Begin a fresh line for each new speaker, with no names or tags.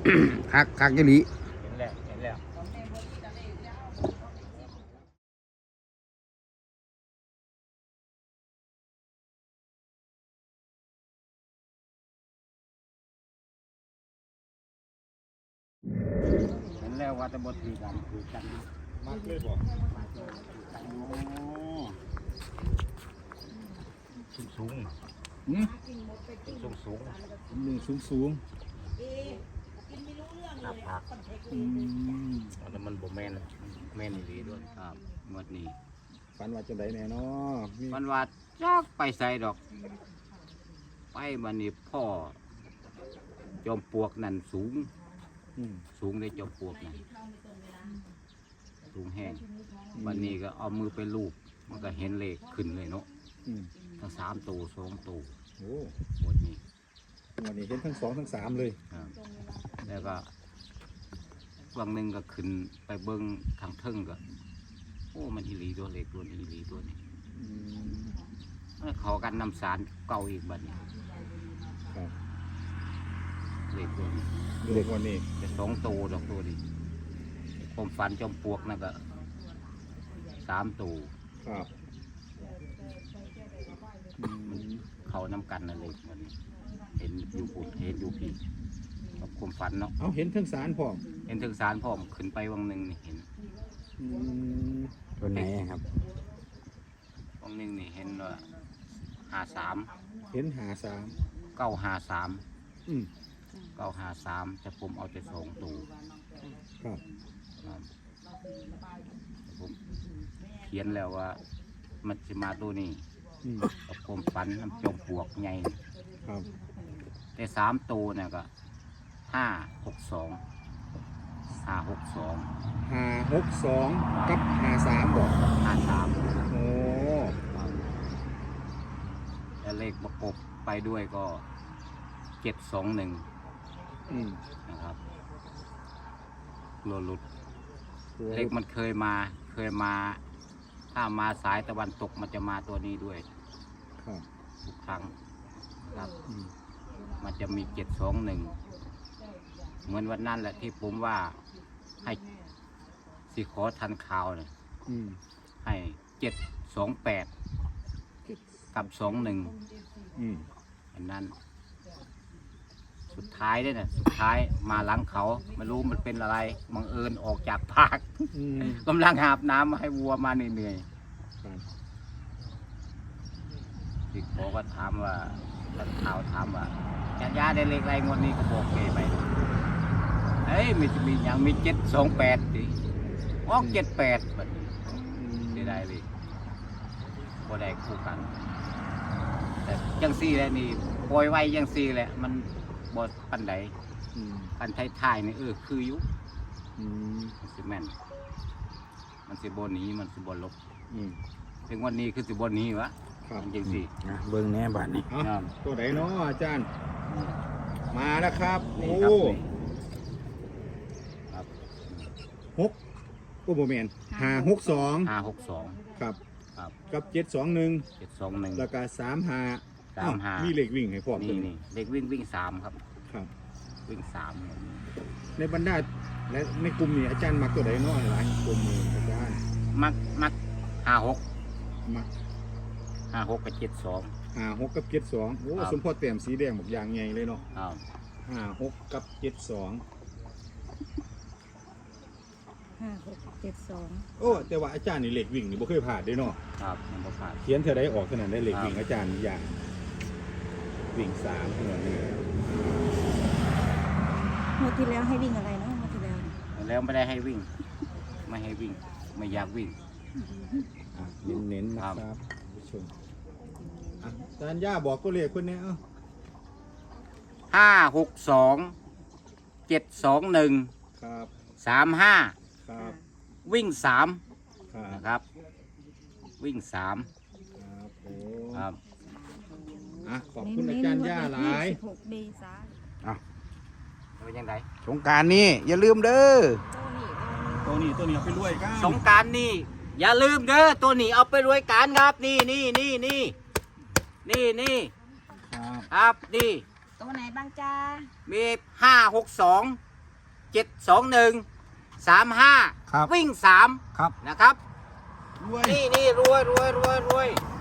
คักยี่หลี
เห็นแล้วเห็นแล้วเห็นแล้วว่าจะบดทีกันคือกันมากเลยบอกสูงสูงสูง
หนึ่งสูง
ผักแล้วมันบ่แม่นดีด้วยครับงวดนี้
ฝันว่าจะได้แน่เนาะ
มันว่าจักไปใส่ดอกไปบันนี้พ่อจอมปลวกนั่นสูงได้จอมปลวกนั่นสูงแห้งบันนี้ก็เอามือไปลูบมันก็เห็นเลขขึ้นเลยเนาะทั้ง3 ตัว2 ตัว
โอ้
หมดนี้
วันนี้เห็นทั้ง2ทั้ง3เลย
แล้วก็วันหนึ่งก็ขึ้นไปเบิ้งทางเทิงก็โอ้มันอีหลีตัวเลขตัวนี้อีหลีตัวนี้เขากันนำสารเก่าอีกบัดนี้เลขตัวนี้
เลขวันนี้
จะ2 ตัวดอกตัวนี้ผมฝันจอมปลวกนั่นก็3 ตัว
ครับ
เขานำกันนั่นเลยวันนี้เห็นอยู่ปุ่นเห็นอยู่พี่กับความฝันเนาะ
เอาเห็นทั้งสารพร้อม
เห็นถึงสารพร้อมขึ้นไปวังหนึ่งนี่เห็น
ตัวไหนครับ
วังหนึ่งนี่เห็นว่า53
เห็น
953 953แต่ผมเอาแต่2 ตัว
ครับ
ผมเขียนแล้วว่ามันจะมาตัวนี้กับผมฝันน้ำจมปลวกใหญ่
ครับ
แต่3 ตัวเนี่ยก็562
กับ53บอก
53
โอ้
แล้วเลขประกบไปด้วยก็721นะครับหลุดเลขมันเคยมาถ้ามาสายตะวันตกมันจะมาตัวนี้ด้วยทุกครั้งครับมันจะมี721เหมือนวันนั้นแหละที่ผมว่าให้สิขอทันข่าวเนี่ยให้728กับ21อันนั้นสุดท้ายด้วยนะสุดท้ายมาหลังเขาไม่รู้มันเป็นอะไรบังเอิญออกจากภาคกำลังหาบน้ำมาให้วัวมาเหนื่อยๆที่ขอก็ถามว่าทันข่าวถามว่าญาติได้เลขอะไรงวดนี้ก็บอกเกไปเฮ้ยมีอย่างมี728ดิออก78แบบนี้ได้เลยพอได้คู่กันแต่ยังซี่แหละนี่ปล่อยไว้ยังซี่แหละมันบดปันใดปันท้ายๆนี่คือยุมันสิแม่นมันสิบนนี้มันสิบนลบถึงวันนี้คือสิบนนี้วะจริงสิ
เบิ้งแน่บ้านนี้ตัวไหนเนาะอาจารย์มาแล้วครับโอ้6โมเมนต์562ครับกับ721แล้วก็35มีเลขวิ่งให้พร้อม
นี่เลขวิ่ง3ครับวิ่ง3
ในบรรดาและในกลุ่มนี้อาจารย์มักตัวไหนเนาะหลายกลุ่มนี้อาจารย์
มัก56
มัก
56กับ72
กับ72โอ้สมพรแต้มสีแดงบอกอย่างใหญ่เลยเนาะ56กับ72
5672
โอ้แต่ว่าอาจารย์นี่เลขวิ่งนี่บ่เคยผ่านเด้เนาะ
ครับมันบ่ผ่าน
เขียนเท่าใดออกขนาดได้เลขวิ่งอาจารย์อย่างวิ่ง3เหมือนนี่
งวดที่แล้วให้วิ่งอะไรเนาะงวดที่แล้ว
ไม่ได้ให้วิ่งไม่ให้วิ่งไม่อยากวิ่ง
เน้นๆนะครับผู้ชมอาจารย์ย่าบอกตัวเลขคนนี้
562 721
ครับ
35
ครับ
วิ่ง3นะครับวิ่ง3ครับ
ขอบคุณอาจารย์ย่าหลาย
16 เมษายน
เป็นยังไง
สงกรานต์นี้อย่าลืมเด้อตัวนี้เอาไปรวยกัน
สงกรานต์นี้อย่าลืมเด้อตัวนี้เอาไปรวยกันครับนี่ครับนี่
ตัวไหนบ้างจ้า
มี562 721 35
ครับ
วิ่ง
ครับ
3นะครับ
รวย
นี่รวย